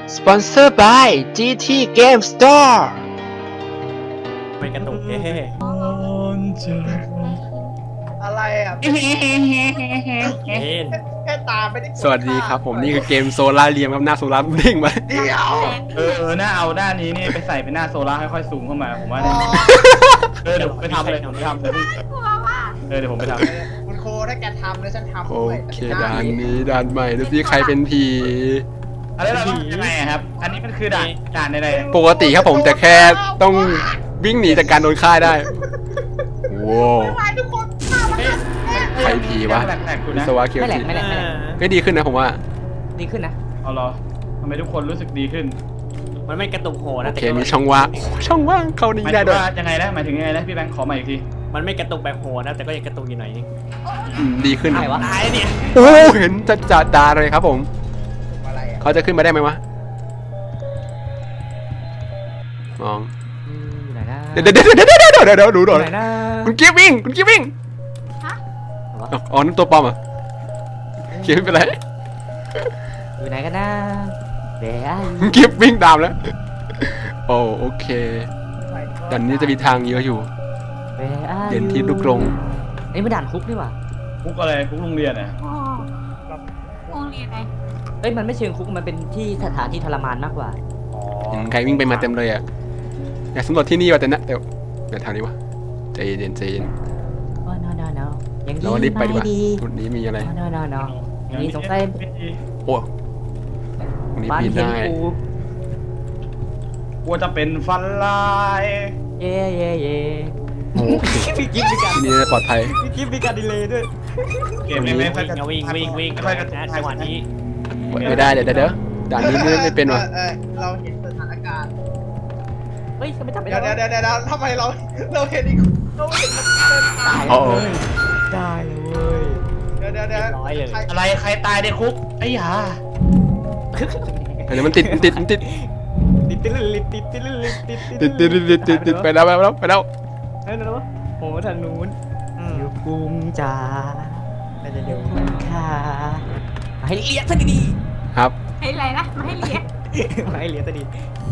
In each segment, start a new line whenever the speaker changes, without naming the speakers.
Sponsored by GT Game Store
ไม่กระตุก
อะไรอ่ะ
เห็น
แค่ตาไม่ได้
สวัสดีครับผมนี่คือเกมโซล่าเรียมครับหน้าโซล่าเด้งมา
เดี๋ยว
หน้าเอาหน้านี้นี่ไปใส่เป็นหน้าโซล่าค่อยๆซูมเข้ามาผมว่าเนี่ยเดี๋ยวผมไปทำเลยเดี๋ยวผมไปทำเลยเดี๋ยวผมไปทำ
คุณโคถ้าแกทำแล้วฉันทำ
โอ
ด้วย
เคด่านนี้ด่านใหม่ดูสิใครเป็นผี
อะไรเราต้องยังไงครับ อันนี้มันคือด่านอะไร
ปกติครับผมแต่แค่ต้องวิ่งหนีจากการโดนฆ่าได้ว้าว
ไปทุกคนฆ่ามันนะ
ใครผีวะ
แหลกๆกู
วิ
นะ
ศวะเคียว
ไม่แหล
จิ
กไม่แหลกไม่แหลก
ก็ดีขึ้นนะผมว่า
ดีขึ้นนะ
เอาเหรอทำไมทุกคนรู้สึกดีขึ้น
มันไม่กระตุกโห
โอ
นะ
เคมีช่องว่างช่องว่างเข้า
ห
นี้
มาย
ได้
ถึง
ด้วย
ว่ายังไงนะหมายถึงยังไงนะพี่แบงค์ขอใหม่อีกที
มันไม่กระตุกแบบโหนะแต่ก็ยังกระตุกอยู่หน่อยนึง
ดีขึ้น
อะไรวะ
ตายเนี่ย
โอ้เห็นจัดตาเลยครับผม
อะไรอ่ะ
เขาจะขึ้นมาได้ไหมวะมอง
อยู่ไหนนะ
เดี๋ยวดูหน่อย
ไหนนะ
คุณกิ๊ฟวิ่งอ๋อนั่นตัวปลอมอ่ะกิ๊ฟไม่เป็นไร
อยู่ไหนกันนะเดี๋ยว
คุณกิ๊ฟวิ่งตามแล้วโอเคด่านนี้จะมีทางเยอะอยู่เด่นที่ลูกกรง
นี่มันด่านคุกนี่หว่า
คุกอะไรคุกโรงเรียนอ่ะ
อ๋อโรงเรียนไหน
เอ้ยมันไม่เชิงคุกมันเป็นที่สถานที่ทรมานมากกว่า
เห็นใครวิ่งไปมาเต็มเลยอ่ะอยากสำรวจที่นี่ว่ะแต่นะเดี๋ยวทางนี้วะใจเย็น
โอ้ no ยังดี
เรารีบไปดีกว่า
ไม่ดี
จุดนี้มีอะไร
no อย่างนี้สงสัย
โอ้ตรงนี้
บ้าน
ปีน
เห็น
ได้
กู
กลัวจะเป็นฟันลาย
เย่
โอเค
พี่กิ๊ฟมีการ
ที่นี่น่าจะปลอดภัย
พี่กิ๊ฟมีการดีเลยด้วย
เกมนี้ไม่ค่อย
วิ่ง
ไม่ค่อยกระ
นะจังหวะนี้
ไม่ได้เดี๋ยวด่านนี้ไม่เป็นว่ะ
เราเห็นสถานการณ์
เฮ้ยไม่จับไม่
เดี๋ยว
ได้
เดี๋ยวทำไมเราเห็นอีกเราเห็นมันเป็นตาย
อ๋อ
ได้เลย
เดี๋ยว
ร้อยเลย
อะไรใครตายในคุกไอ้ห่า
อันนี้มันติด
ติด
ไปแล้ว
เฮ้ยนะวะโอ้ทางนู้นอยู่กุมจ๋าน่าจะเดี๋ยวค่ะให้เลี้ยซะดี
ครับ
ให้อะไรนะมาให้เรียน
ๆให้เลี้ยซะดี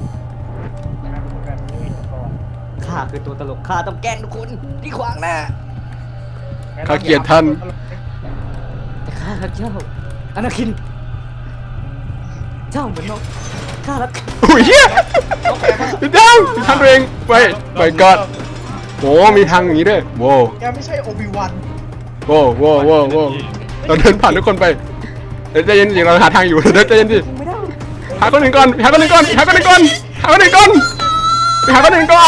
ข้าคือตัวตลกข้าต้องแกล้งทุกคนที่ขวางหน้า
ข้าเกลียดท่าน
แต่ข้ารักเจ้าอนาคิน เจ้าเหมือนนกข้ารัก
อุ้ยเฮียพี่ดังทางตัวเองไปก่อนโอ้มีทางอย่างนี้ด้วยโว้
แกไม่ใช่โอบิวัน
โว้เราเดินผ่านทุกคนไปเดี๋ยวใจเย็นๆเราหาทางอยู่เดี๋ยวใจเย็นดิ
ไม่ได้
หาคนหนึ่งก่อนไปหาคนหนึ่งก่อนไปหาคนหนึ่งก่อนไปหาคนหนึ่งก่อน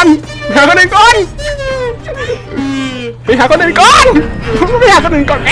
ไอ้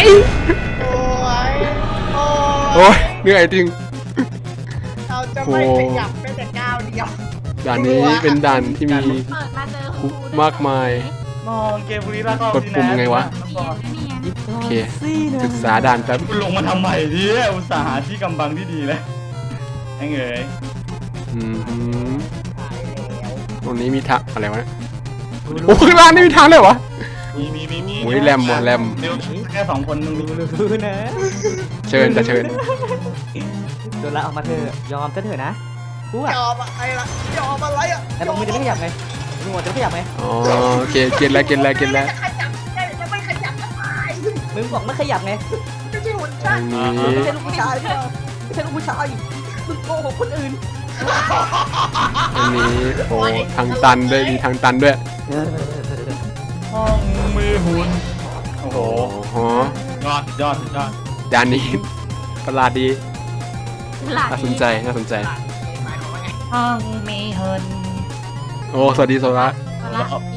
โอ้ย
โอ้ยเหนื่อยจริง
เราจะไม่ขยับแม้แต่ก้าวเดียว
ด่านนี้เป็นด่านที่มี
เปิดมาเจอครู
มากมาย
มองเกมบุรีรัมย์
กดปุ่มไงวะ
เรียน
โอเคศึกษาด่านแป๊บ
คุณลงมาทำใหม่ดิอุตส่าห์หาที่กำบังที่ดีแล้วไอ้เงย
อืม
ตายแล้ว
ตรงนี้มีทางอะไรวะโอ้ข้างล่างนี่มีทางเลยวะ
มี
โอ้ยแรมว่ะแรม
เร็วแค่สองคนมึงมี
รู้นะ
เชิญ
โดนละออกมาเถอะยอมซะเถอะนะกู
ย
อ่ะ
อมอะไรล่ะยอมอะไรอ่ะ
แต่บอกมือจะไม่ขยับไงมือจะไม่ขยับไง
อ๋อโอเคเก็ตแล้ว
จะขยับจะไม่ขยับก็ตาย
มึงบอกไม่ขยับไง
ไม่ใช่หุ่น
อั
ช่าง
นนี้
ไม่ใช่ลูกผู้ชายไม่ใช่ลูกผู้ชายมึงโกหกคนอื่น
อันนี้โอ้ทางตันด้วยมีทางตันด้วย
ห้องมือหุ่นโอ้โห
โอ้โห
ยอดยอด
ด่านนี้ประหลาดดี
หลาน
น่าสนใจ
ห้องมือหุ่น
โอ้สวัสดีโซล่า
ดี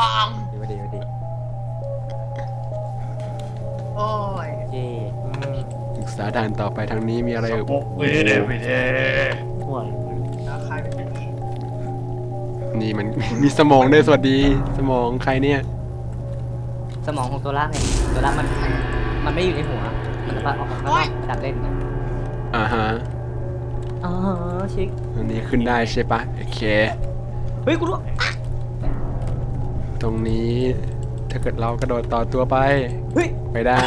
โอ้ย
เย่
ศึกษาด่านต่อไปทางนี้มีอะไรเอ่ย
โอ้เวเดวิเด
ห่วย
ใครเป็นอย่างนี้
นี่มัน มีสมองด้วยสวัสดีสมองใครเนี่ย
สมองของตัวละไงตัวละมันไม่อยู่ในหัวมันแบบออกมาดัดเล่น
อ่าฮะ
อ๋อชิค
อันนี้ขึ้นได้ใช่ปะโอเค
เฮ้ยกูรู้
ตรงนี้ถ้าเกิดเรากระโดดต่อตัวไป
เฮ้ย
ไปได้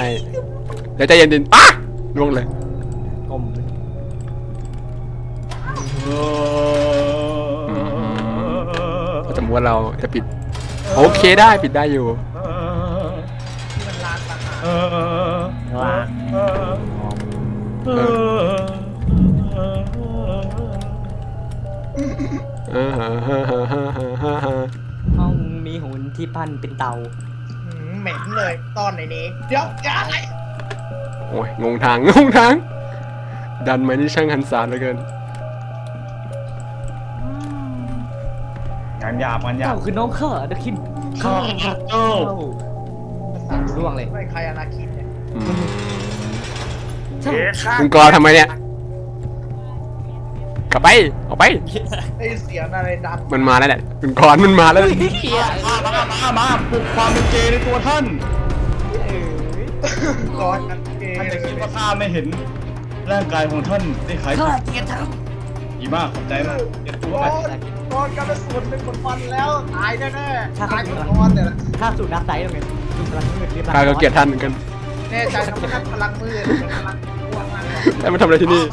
เดี๋ยวใจเย็นๆอ่ะล่วงเลย
กลม
โอ้
ว่าเราจะปิด โอเคได้ปิดได้อยู่
ที่มันลานต่างหาก
ว่าง ห้องมีหุ่นที่ปั้นเป็นเตา
เหม็นเลยตอนไหนนี้เดี๋ยวอย่าอะไร
โอ้ยงงทางดันไหมนี่ช่างหันศาลเหลือเกิน
งานหยาบ
เจ้าคือน้องข้าเดอะคิน
ข้าเจ้า
ร่วงเลย
ไม่ใครอนาคินเนี่ย
อืม
ใช่
คุณกอทำไมเนี่ย กลับไปออกไป
ได้ยินเสียงอะไรดัง
มันมาแล้วแหละคุณกรมันมาแล้ว
มาปลุกความเป็นเกย์ในตัวท่าน
ก่อนกันเก
ท่านจะคิด
ย์
ว่าข้าไม่เห็นร่างกายของท่านได้ขาย
ข้าเกลียดเธอ
ดีมากขอบใจมากเก็บตัว
ก่
ไป
อนกันเป็นส่วนเป็นคนฟันแล้วตายแน่ๆตายคนก่อนเนี่ย
ข้าสูดนักไซด์ตรงนี้สูดพลังมืดเรียบร้อย
ข้าก็เกลียดท่านเหมือนกัน
แน่ใจทำให้พลังมืดพลังพวกมัน
แต่มาทำอะไรที่นี่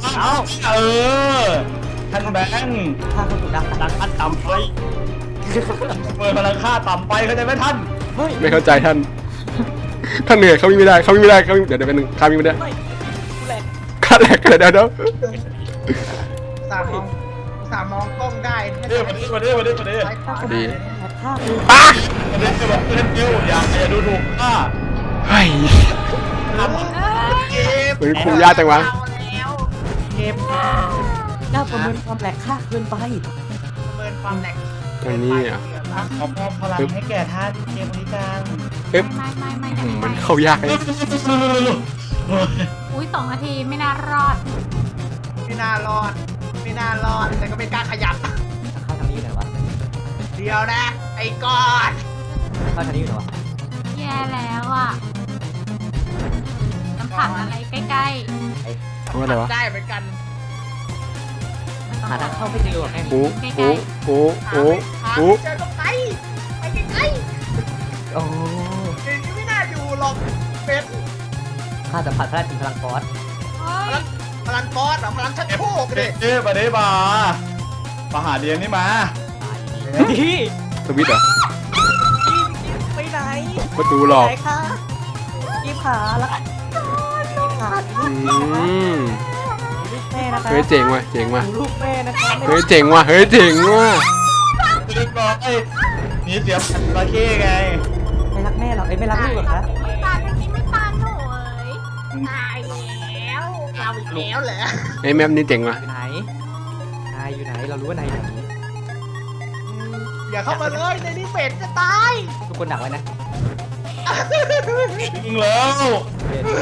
ท่านแบงค์
ข้าก็สูดนักไซด์
ดังอันต่ำไป
เปิดพลังค่าต่ำไปเข้าใจไหมท่าน
เฮ้ย
ไม่เข้าใจท่าน ท่านเหนื่อยเขาวิ่งไม่ได้เดี๋ยวเป็นหนึ่งข้าวิ่งไม่ได้
ไม่กูแหลก
ข้าแหลกเดี๋ยว
สามองกล้องได้
เดี๋ยวมาดิ
ซ้ายขวา
ดี
ข้าคือ
ป้า
มาดิจะบอกเพื่อนเดียวอย่าดูถูกข้า
เฮ้ย
เก็บ
เหมือนคุมยากจังวะ
แล้ว
เก็บเจ้าประเมินความแหลกข้าเกินไป
ประเมินความแหลก
ตรงนี้อ่ะ
ขอมอบพลังให้แก่ท่านเกมบริการ
ปึ๊บ
ไม่
มันเข้ายากเลย
อุ้ย2 นาทีไม่น่ารอด
ไม่น่ารอดแต่ก็ไม่กล้าขยับ
เข้าทางนี้อยู่ไหนวะ
เดียวนะ ไอ้ก้อน
เข้าทางนี้อยู่ไหนวะ
แย่แล้วอ่ะน้ำผักอะไรใกล้
ว่าอะไรวะ
ได้เหมือนกัน
ๆ
หาทางเข้าไม่เจอหรอกแม่ง
โอ้โอ้โอ้โอ้
หา
โอ้
ไม่เจอก็ไปไกล
โอ้
ๆเดี๋ยวนี้ไม่น่าอยู่หรอกเป็น
ข้าสัมผัสพลังถึงพลังฟอส
เฮ้ย
พลังบอสเหรอพลังชักโครกเลย
มาดิมาหาเดียนนี่มา
พี่
สวิตช์เหรอ
ไปไหน
ประตูหลอก
ไหนคะกีบขาละกีบขา
อืม
ลูกแม่นะคะ
เฮ้ยเจ๋งว่ะ
ลูกแม่นะคะ
เฮ้ยเจ๋งว่ะ
เรียบร้อยนี่เสียบตะเข้ไง
ไม่รักแม่หรอกไม่รักลูกหรอคะ
ไม่ตานเรื่องนี้ไม่ตานหนูเอ้ย
ตายแล้วเราอีกแล้วเหรอ
ไอ้แมปนี้เจ๋งว่ะ
อยู่ไหนนายอยู่ไหนเรารู้ว่านายอยู่ไหน
อย่าเข้ามาเลยในนี้เป็ดจะตาย
ทุกคนดักไว้นะ
ยิงแล้ว
เด่น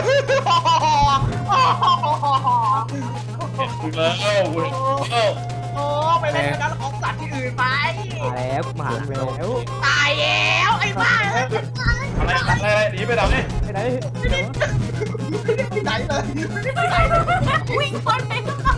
ยิงแล้ว
โอ้ไปเล่นกันของสัตว์ที่อื่นไป
มาแล้วมาแล้ว
ตายแล้วไอ้บ้า
อะไรหนีไปดับนี่
ไปไหน
ไม่ได้ไปไหนเลยไม่ได้ไปไหนเลย
วิ่งพ้นไปข้างนอก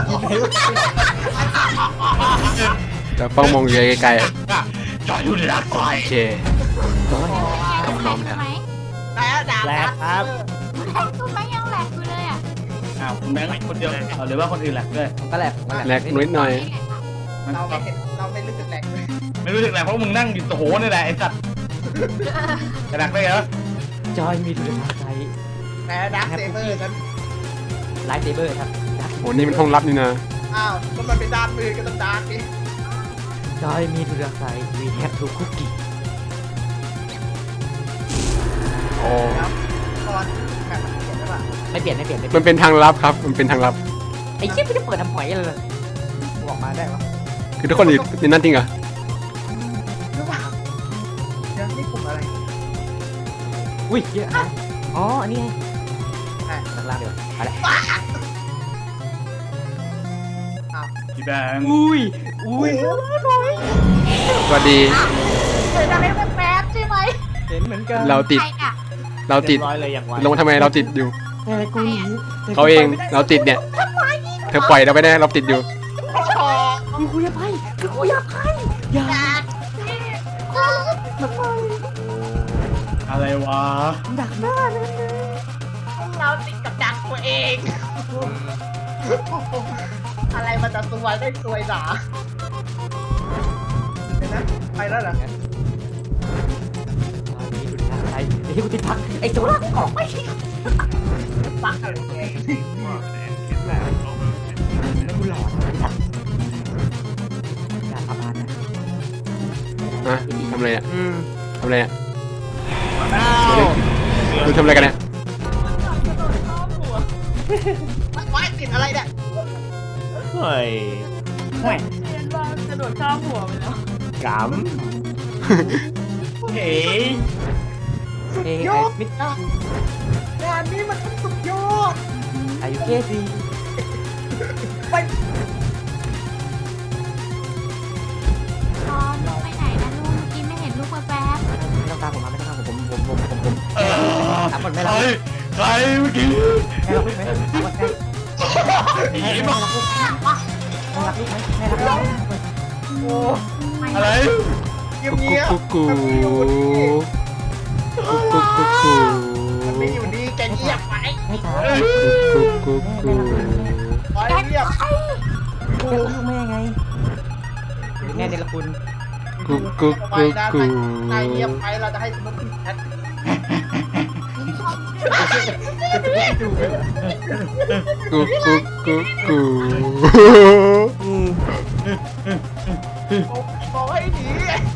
แต่เฝ้ามองอยู่ไกลๆอะ
จอดอยู่ในรักไฟ
โอเค
ยัง
พร้อมแล้ว
ไหม
แล้วดาบ
แหลกครับ
ไอ้ตุ้มไม่ยังแหลกอยู่เลยอ่ะ
อ้าวคุณแบงค์คนเดียวหรือว่าคนอื่นแหละด้วย
ผมก็แหลกผมก็
แลกนิดหน่อย
เราไม่เห็นเราไม่รู้สึกแหลกเลย
ไม่รู้สึกแหละเพราะมึงนั่งอยู่โหนี่แหละไอ้สัตว์กระดักได้เหรอ
จอยมีดูดาร์กไซด์
แต่ดักเซเบอร์กัน
ไลท์เซเบอร์ครับ
โอ้นี่มันห้องลับนี่นะ
อ้าวก็มันเป็นด้านมือก็ต้องด้านดิ
จอยมีดูดาร์กไซด์ we have to cookie
โอ้
ครับตอนแบบมันเขียนได้ป่ะ
ไม่เปลี่ยนไม่เปลี่ยนไม่เป
มั
ลี่ย
น
น
เป็นทางลับครับ มันเป็นทางลับ
ไอ้เชี่ยไม่ได้เปิดทำหอยเลยออกมาได้ปะ
คือทุกคนอยู่ในนั้นจริงเหรอ
หรือเปล่าเดี๋ยวนี่กลุ่มอะไร
อุ้ยเยอะนะอ๋ออันนี้ไงข้างล่างเดี๋ยวไปละ
พี่แบงค์
อุ้ย
สวัสดี
เจออะไรแป๊บๆใช่ไหม
เห็นเหมือนกัน
เราติด
ใครอ่ะ
เราติด
เรียบร้อยเลยอย่างไว
ลงมาทำไมเราติดอยู่
แต่กูหนี
เขาเอง เราติดเนี่ย เธอปล่อยเราไปได้เราติดอยู่
ชอ
คือกูอยากไปคือกูอยากไปอยาก
ดัก
อะไรวะ
ดักหน้าเลย
เราติดกับดักตัวเอง อะไรมันจะสวยได้สวยหนาเห็นไหมนะไปแล้วเหรอ
ตอนนี้คุณทางไอ้ที่กูติดพักไอ้โซล่าออกไป
ปักอะไรแก
แล้วกูหลอนทัดอย่าทำงานนะ
นะทำอะไรอ่ะทำอะไรอ่ะ
อ้าว
คุณทำอะไรกันเนี่ย
ไว้ติดอะไรเนี่ย
เฮ้ย
กระโดดข้ามหัวไปแล้ว
ก
เฮ้ย
เอ้ย
ย
ไอ้
อด
มิด
งานนี้มันสุดยอด
อายุเคซี
ตอนลูกไปไหนนะลูกเมื่อกี้ไม่เห็นลูกแวบ
ไม่ต้องตามผมมาไม่ต้องตามผมถามก่อนไม่
ใค
รั
ร
ก
ใครเมื่อกี้
ไม่รักลูกไหมถามก่อนใคร
ผี
ไม่
มา
รักลูกไม่รักลูกไหมไม่รักลูก
โอ้
ๆไม่
อะไร
เงียบเงียบ
กุ๊กกุ๊ก
มัน
กุ๊ก
ไม่
กุ๊กกุ๊กกุ๊ก
อยู่ดีมันไม่อยู่ดีแกเงียบไว้
ไม่ถาม
กุ๊กกุ๊กกุ๊ก
ไว้เงียบ
ลูกแม่ไงแม่เดลคุณ
กุ๊กกุ๊ก
ไว้
กุ๊ก
นะ
กุ๊ก
ถ้าเงียบไปเราจะให้สมุดแชท
กุ๊กกุ๊กกุ๊กกุ๊ก
บอกให้หนี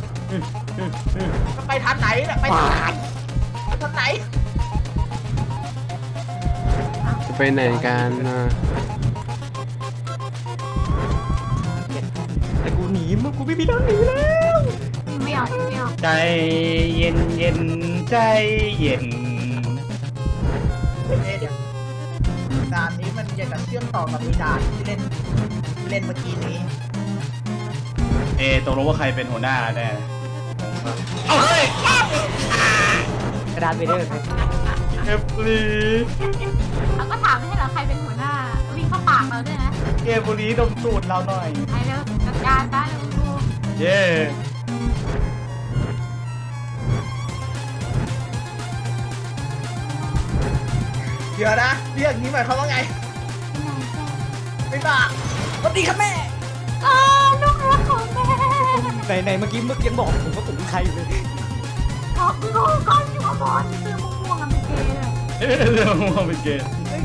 จะไปทางไหนเนี่ยไปทางไหนทางไหน
จะไปไหนกันนะ
แต่กูหนีมึงกูไม่มีทางหนีแล้ว
ไม่ออกไม่ออก
ใจเย็นเย็นใจเย็น
เดี๋ยวด่านนี้มันจะกับเชื่อมต่อกับอีด่านที่เล่นเมื่อกี้นี้
ตกลงว่าใครเป็นหัวหน้าแน่
กระดานเวเดอร์
เอฟลี
แล้วก็ถามไม่ใช่เหรอใครเป็นหัวหน้าวิ่งเข้าปากเราด้วยนะ
เกมบุรีดมสูตรเราหน่อย
ไปเร็วจัดการได้เร็วลูก
เย้
เดี๋ยวนะเรียกนี้หมายความว่าไงไม่บ้า
สวัสดีครับแม่
อ๋อลูกรักของแม่
ไหนเมื่อกี้ยังบอกผมว่าผมเป็นใครอยู่เลย
ขอบลูกก้อนอยู่กับบอลเสื้อม่วงๆอะเป็นเกย์เลย
เรื่องมันเป็นเกม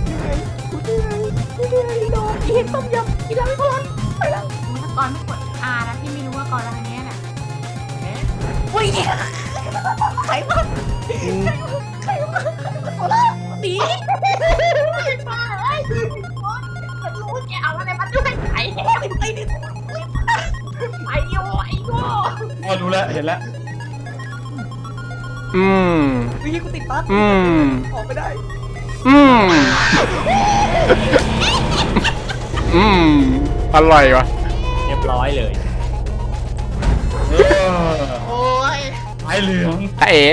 โดนกินต้มยำกินแล้วไม่พอไปแล้ว
ถ้าก่อนไม่กด R นะพี่ไม่รู้ว่าก่อนอะไรเนี้ยน่ะ
วิ่งใครมาใครมาโซล่าหนี
มาเอ้ยรู้แกเอาอะไรมาด้วยไอ้เหี้ยไอ้นี่ไอ้โย่ไอ้โย่
อ๋อรู้แล้วเห็นแล้ว
อืม
วิ่งกูติดปั๊บ
อืม
ออกไม่ได้
อืม อืม อร่อยวะ
เรียบร้อยเลย
โอ้ย
ไอเหลือง
ถ้าเอ๋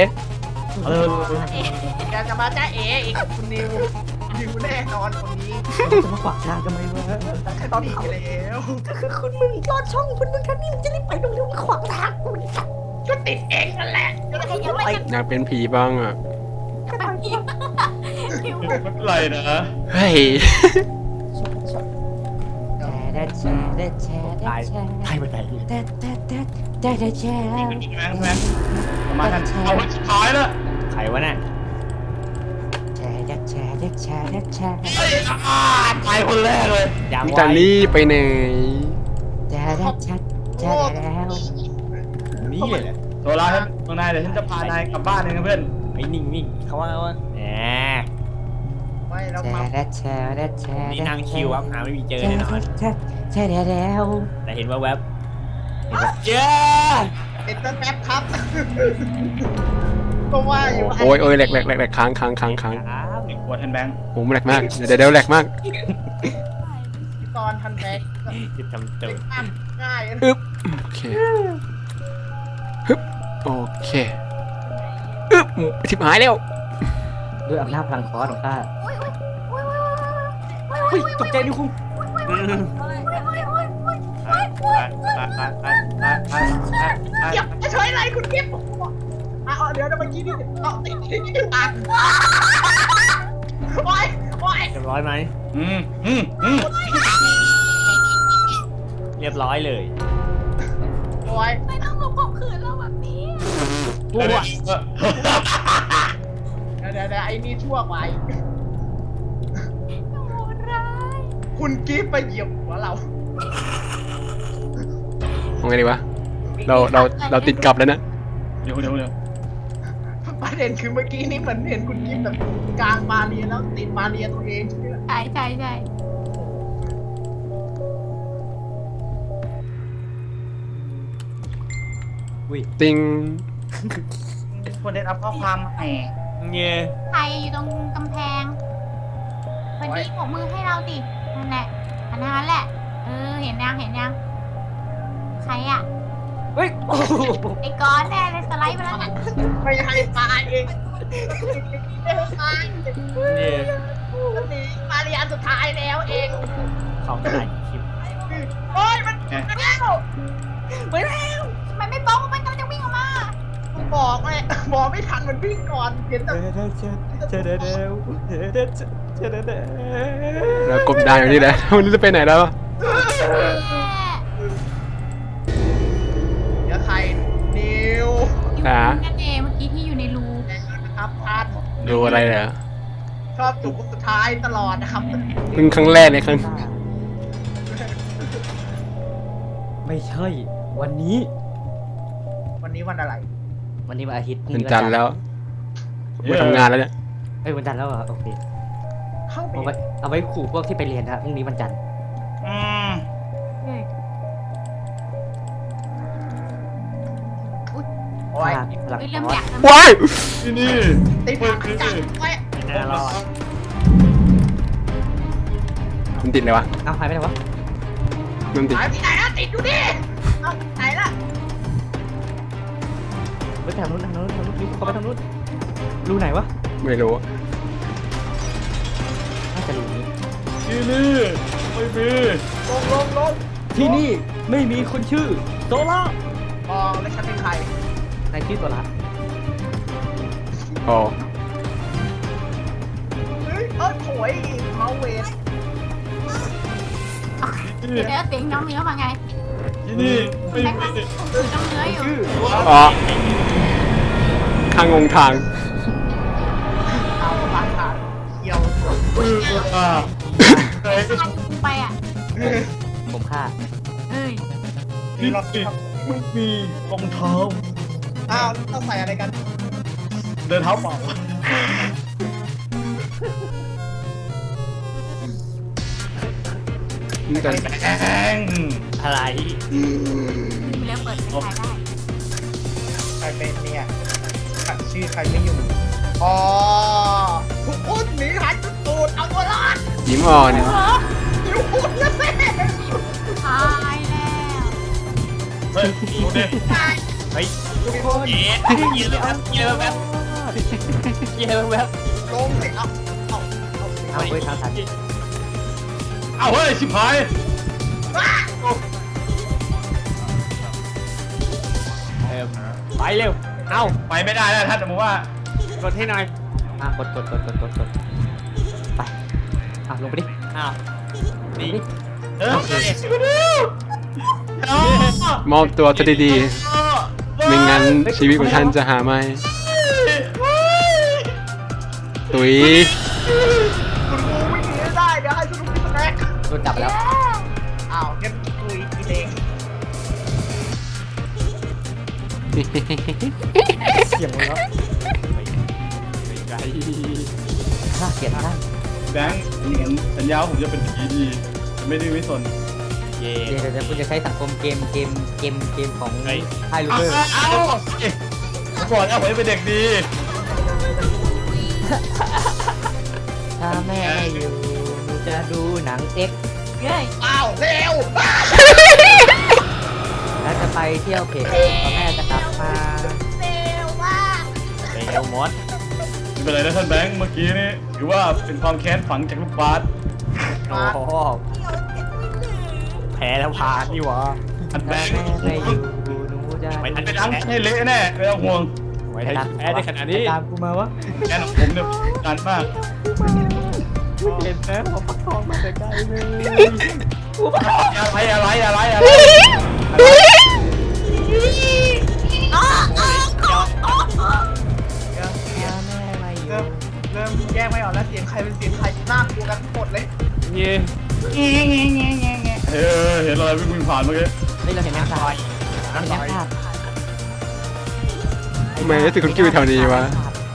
แกจะมาจ้าเอ๋อีกคุณนิวแน่นอนคนนี้
จะมาขวางทางกันไหมวะ
ตอนนี้แล้ว
ก็คือคุณมึงรอดช่องคุณมึงแค่นี้มึงจะรีบไปตรงนี้มาขวางทางกูนี่สัตว์
ก็ติดเองนั่นแหละจะได้
ยังไม่
อยากเป็นผีบ้างอ่ะ
ไปพี่หิว
ไม่เป็นไรนะ
เฮ้ย
ตายตายไปไหน
แช่
นี่แม่งแม่งประมาณนั้นเอาไว้สุดท้ายแล้ว
ใครวะน่ะ
ตายคนแรกเลย
ยัง
มิ
ไว้
ตาลี่ไปไหน
นี่เลย
โซล่าครับตรงนายเดี๋ยวฉันจะพานายกลับบ้านเองนะเพื่อน
ไอ้นิ่งๆเขาว่าแหม
ไม่แล้วมา
นี่นั่งคิวครับหาไม่มีเจอแน่นอน
ใช่แล้ว
แต่เห็นว่าแวบเห็นว่าเจ้า
เป็นแป๊บครับ ก็ว่าอยู่
โอ้ยโอ้ยแหลกแหลกแหลกแหลกค้างค้างค้างค้าง
ครับ
นี่กลัวแทนแบงค์
โอ้แหลกมาก เดี๋ยวแหลกมาก
ตอนทันแบก
จะทำตัว
ง่าย
อึ๊บ โอเค ฮึบ โอเค อึ๊บทิบหายแล้ว
ด้วยอำนาจพลังคอร์สของข้า
โอ้ยโอ้ยโอ้ยโอ้ย
เฮ้ยตกใจดิคุณ
เก็บจะช่วยอะไรคุณเก็บเดี๋ยวเมื่อกี้นี่ติดปากโอ้ย
เรียบร้อยไหม
อืมอืมอืม
เรียบร้อยเลย
โโอ้ย
ไม่ต้องมาข่มขืนเราแบบนี้
กูอ่ะ
เดี๋ยวไอ้นี่ชั่วไป
โหดร้าย
คุณกิฟต์ไปเหยียบหัวเรา
เอาไงดีวะเราติดกลับแล้วนะ
เดี๋ยว
ประเด็นคือเมื่อกี้นี่เหมือนเห็นคุณกิฟต์แบบกลางบาเรียแล้วติดบาเรียตัวเองใช่ไหมล่ะ
ใช่ใช่ใช่
ติง
คนได้รับข้อความแหม
เงี้ย
ใครอยู่ตรงกำแพงวันนี้ปรบมือให้เราดินั่นแหละอันนั้นแหละเห็นยังใครอ่ะ
เฮ้ยโอ้โห
ไอ้ก้อนแน่เลยสไลด์ไปแล้วน่ะ
ไม่ให้มาเองไม่ให้มา
เนี่ย
หนีบาเรียอันสุดท้ายแล้วเอง
เขาถ่ายคลิป
โอ้ยมันแล้ว
มันไม่ป้องมันกำลังจะวิ่งออกมา
บอกเลยบอกไม่ทันมันวิ่งก่อนเห็นแต่
เรากบดานอยู่นี่แหละวันนี้จะไปไหนแล้ว
เดี๋ยวใครนิว
นั่นเองเมื่อกี้ที่อยู่ในรู
นะครับท่าน
ดูอะไรเหรอ
ชอบจุกสุดท้ายตลอดนะครับ
เพิ่งครั้งแรกในครั้ง
ไม่ใช่ วันนี้
วันนี้วันอะไร
วันนี้วันอาทิตย์พรุ่ง
เป็นจันทร์แล้วไปทำงานแล้วเนี่ย
เอ้ยวันจันทร์แล้วเหรอโอเค
เข้าไป
เอาไว้ขู่พวกที่ไปเรียนนะพรุ่งนี้วันจันทร์
โอ้ย
พลัง
เริ่มอยาก
ว้าย
ที่นี่
ติดปากจังโอ้ย
ไม่น่ารอด
มันติดเลยวะ
เอาหายไปไหนวะ
มันติด
หายไปไหนอะติดอยู่ดิเอ้าไหนล่ะ
ไปทางนู้นรีบเข้าไปทางนู้นรูไหนวะ
ไม่รู้
น่าจะรูนี้
ที่นี่ไม่มี
ลง
ที่นี่ไม่มีคนชื่อโซล่า
อ๋อแล้วฉันเป็นใคร
ในชื่อโซล่า
อ๋อ
เฮ้ยโถยเมาเวส
เดี๋ยวเสียงน้องเนื้อมาไง
ที่นี่ไม่
แม็ก
มี
ซ์ถือน้องเนื้ออยู่
อ๋อข้างงงทาง
เอาปากขาเกี่ยว
ไปอ่ะ
ผมฆ่า
เอ้ย
ที่เรา
ไม่มีรองเท้า
อ้าวต้องใส่อะไรกัน
เดินเท้าเปล่า
นี่กัน
แอง
อะไร
มีเรื่องเปิดไม่ขายได้
ใครเป็นเนี่ยขัดชื่อใครไม่อยู่อ๋อทุกคนหนีหายจุดตูดเอาตัวรอด
ยิ้มอ่อน
อยู่หุ่นนะสิ
ตายแล้ว
เฮ้ยดูดิ
เฮ้ยทุกคนเยอะแบบเยอะแบบ
ลงสิเอา
เอาไว้ทางทัน
เอาเฮ้ยชิบหาย
ไปเร็ว เอ้า
ไปไม่ได้แล้วท่านสมมติว่าก
ดให้หน่อย
กดไปลงไปดิ
อ้าวนี่
เออ
มอบตัวจะดีๆไม่งั้นชีวิตของท่านจะหาไม่ตุ๋ย
คุณครูวิ่งหนีไม่ได้เดี๋ยวให้คุณครูสแน็ค
โดนจับแล้ว
อ้าวงั้นคุยกินเอง
เสียงหมดแล้ว
ไกล
น่าเกลียดท่าน
แบงค์ผมสัญญาว่าผมจะเป็นผีดีไม่ดื้อไม่สน
เย่
เดี๋ยวคุณจะใช้สังคมเกมของ
เฮ้ย
ไฮลูเบอร์
เอาผมบอกแล้วผมจะเป็นเด็กดี
ถ้าแม่อยู่หนูจะดูหนังเอ็ก
เย้ย
อ้าวเร็ว
แล้วจะไปเที่ยวเพจพอแม่จะกลับมา
เร็วมาก
เร็วมด
ไม่เป็นไรนะท่านแบงค์เมื่อกี้นี่ถือว่าเป็นความแค้นฝังจากลูกบาส
โอ้โหแพ้แล้วพานี่หวะ
ท่านแบ
ถ้าง
ค์
แม่ไม่อยู่หนูจะ
ไม่ทัน
ไปดังให้เละแน่ไม่ต้องห่วง
ไว้แพ้ได้ขนาดนี้
ตามกูมาวะ
แค้นของผมเนี่ยดันมาก
เห็นนะผมประคองมาแต่ไกลเลย
อะไร
ใครเป็นเสียงใครน่ากลัวกันหมดเลย
เย่
เห็นอะไรวิ่งผ่านเมื่อกี้
เฮ้ยเราเห็นแมงสาบเราเห็นแมงสาบ
ทำไมรู้สึกคุณกิ้วแถวนี้วะ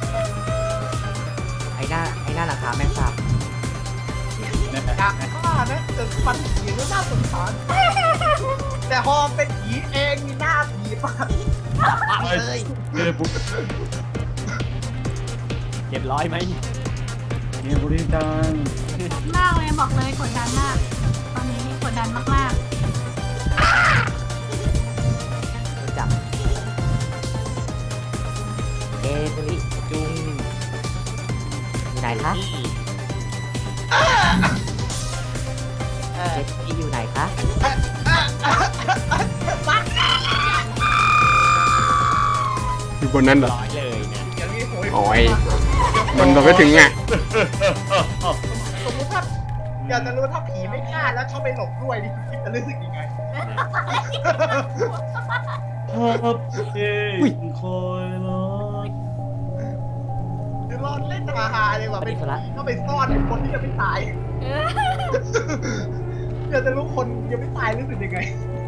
ไอ้หน้าหลังคาแมงสาบ
อยากฆ่านะแต่ฟันผีก็น่าสงสารแต่ฮอมเป็นผีเองมีหน้าผีปะเลย
ปุ๊บ
เก็บร้อยไหม
เนี่ยบุรีจัง
มากเลยบอกเลยกดดันมาก ตอนนี้กดดันมาก
รู้จักเอบุริจุงอยู่ไหนคะเจ็ดที่อยู่ไหนคะ
อยู่บนนั้นเหรอ
ร้อยเลยเนี่ย
อย่างนี้โหย
โอ้ย มันเราไม่ถึงอ่ะ
สมมติถ้าอยากจะรู้ถ้าผีไม่ฆ่าแล้วชอบไปหลบด้วยนี่คิดจะรู้สึกยังไง
ชอบเอ้ยคอยรอ
หรือรอดเล่นฮาๆเลยว่ะเป็นผีก็ไปซ่อนคนที่ยังไม่ตาย
ๆ
อยากจะรู้คนยังไม่ตายรู้สึกยังไง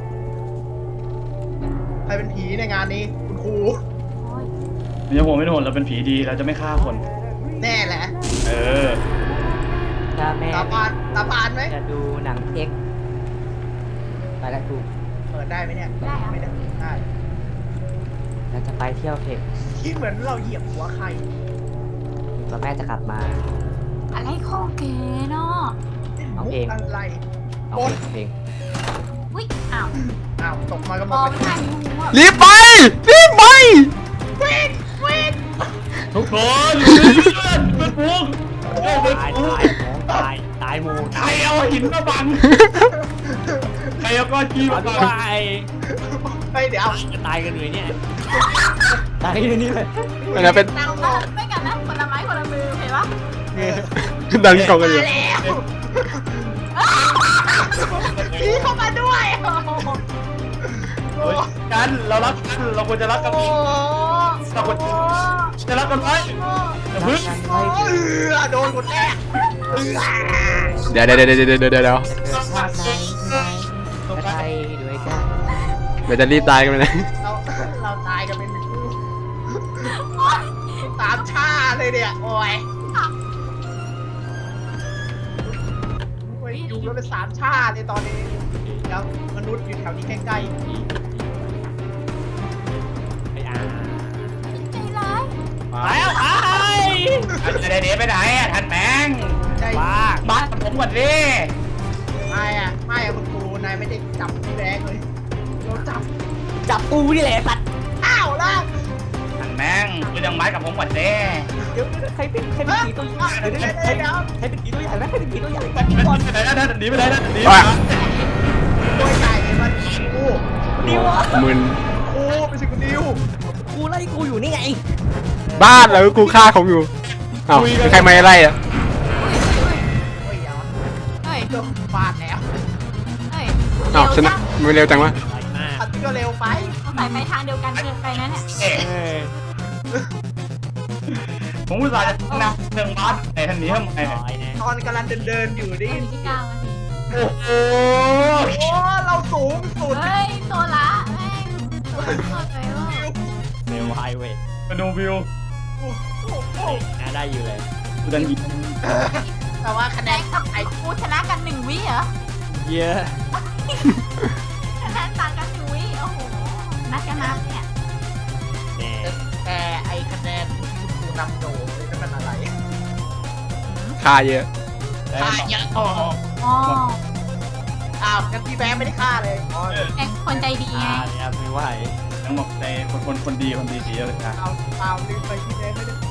ใครเป็นผีในงานนี้คุณครู
เนี่ยผมไม่โดนเราเป็นผีดีเราจะไม่ฆ่าคน
แน่แหละ
เออ
ถ้าแม่
ตาปานไหม
จะดูหนังเอ็กไปแล้วดู
เปิดได้ไหมเนี่ย
ได้อะ
ไม่ได้ได้
เราจะไปเที่ยวเทค
คิดเหมือนเราเหยียบหัวใคร
แล้วแม่จะกลับมา
อะไรของเก๋เนาะ
เอา
มุก
เอง
อะไร
เอาเพลง
อุ้ยอ้าว
อ้าวตกมาก็
ม
มา
อง
เป็น
ไม่ทันรู้ว่า
รีบไป รีบไป
ทุกคนเป็นพวกเป็น
ตาย
พวก
ตายหมู
ใครเอาหินมาบังใครเอาก้อนขี้
ตา
มาบัง
ย
เฮ้ยเดี๋ยว
จะตายกันเลยเนี่ย
ตายอยู่นี่เลย
อันนั้นเป็น
ดังนะไม่กันนะคนละไม้คนละมือเห็นปะ
ดันกล่องกันอยู่
มาแล้วผีเข้ามาด้วย
เฮ้ยกันเรารักกันเราควรจะรักกัน
โอ้
เราควรจะรักกันไว้อย่าพึ่ง
กัน
โอ้
ไว้
โดนคนแรก
เดี๋ยว
จะเกิดชาติไหนที่ไหนก็ได้ด้วยกัน
เดี๋ยวจะรีบตายกันไปนะ
เราตายกันเป็นคู่ตามชาเลยเนี่ยโอ้ยอยู่กันเป็นสามชาเลยตอนนี้แล้วมนุษย์อยู่แถวนี้ใกล้
ไอ้อา
ใจร้าย
แล้วไอ้
จะได้หนีไปไหนอ่ะท่านแมง
ๆใช่
บ้า
บ้านผมก่อนดิ
ไม่คุณครูนายไม่ได้จับพี่แบงค์เลยเราจับ
จับกูนี่แหละสัตว์
อ้าวแล้ว
ท่านแมงคุณยังไม้กับผมก่อนดิ
เดี๋ยวใครเป็นผีตัวใหญ่เดี๋ยวใครเป็นผีตัวใหญ่ไหมใครเป็นผีตัวใหญ่
ไปไหนนะท่านหนีไปไหนนะหนี
อ่ะ
ตัวใหญ่มันครู
มึน
ครูไม่ใช่คุณนิว
กูไล่กูอยู่นี่ไง
บ้านแล้วกูฆ่าเขาอยู่เอ้าใครมาไล่อ่ะ
โอ้ยยาว
เฮ้ย
เกือบฟาดแล้ว
เฮ้ย
เอ้าชนะไม่เร็วจังวะ
ไหลมาก
อันนี้ก็เร็วไป
ต้องใส่ไปทางเดียวกันเกินไปนะเนี่ย
เอ๊ะ
เอ้ย
ผมอุตส่าห์จะนำเรื่องบ้านไอ้ท่านหนีทำไม
ร้อยแน่
ตอนกำลังเดินอยู่ดิ
อยู่ที่9 นาที
โอ้โห
โอ้เราสูงสุด
เฮ้ยตัวละแม่งตัวละไปว่า
เร็วไฮเวย์
มาดูวิว
น่าได้อยู่เลย
กูดันหยิบ
แต่ว่าคะแน
แด
น
งกับไอ้กูชนะกัน1 วิเหรอ
เยอะ
คะแนนต่างกัน1 วิโอ้โหนัดกันนับเนี่ย
แน่
แต่ไอคะแนนคุณครูนำโด่เลยนั่นมันอะไร
ฆ่าเยอะ
ฆ่าเยอะอ๋อ
อ๋อ
อ้าวงั้นพี่แบงค์ไม่ได้ฆ่าเลยอ๋อ
แกคนใจดีไง
เนี่ยไม่ไหว
ทั้งหมดในคนดีดีเยอะเลยนะ
เอาลืมไปพี่แบงค์ไม่ได้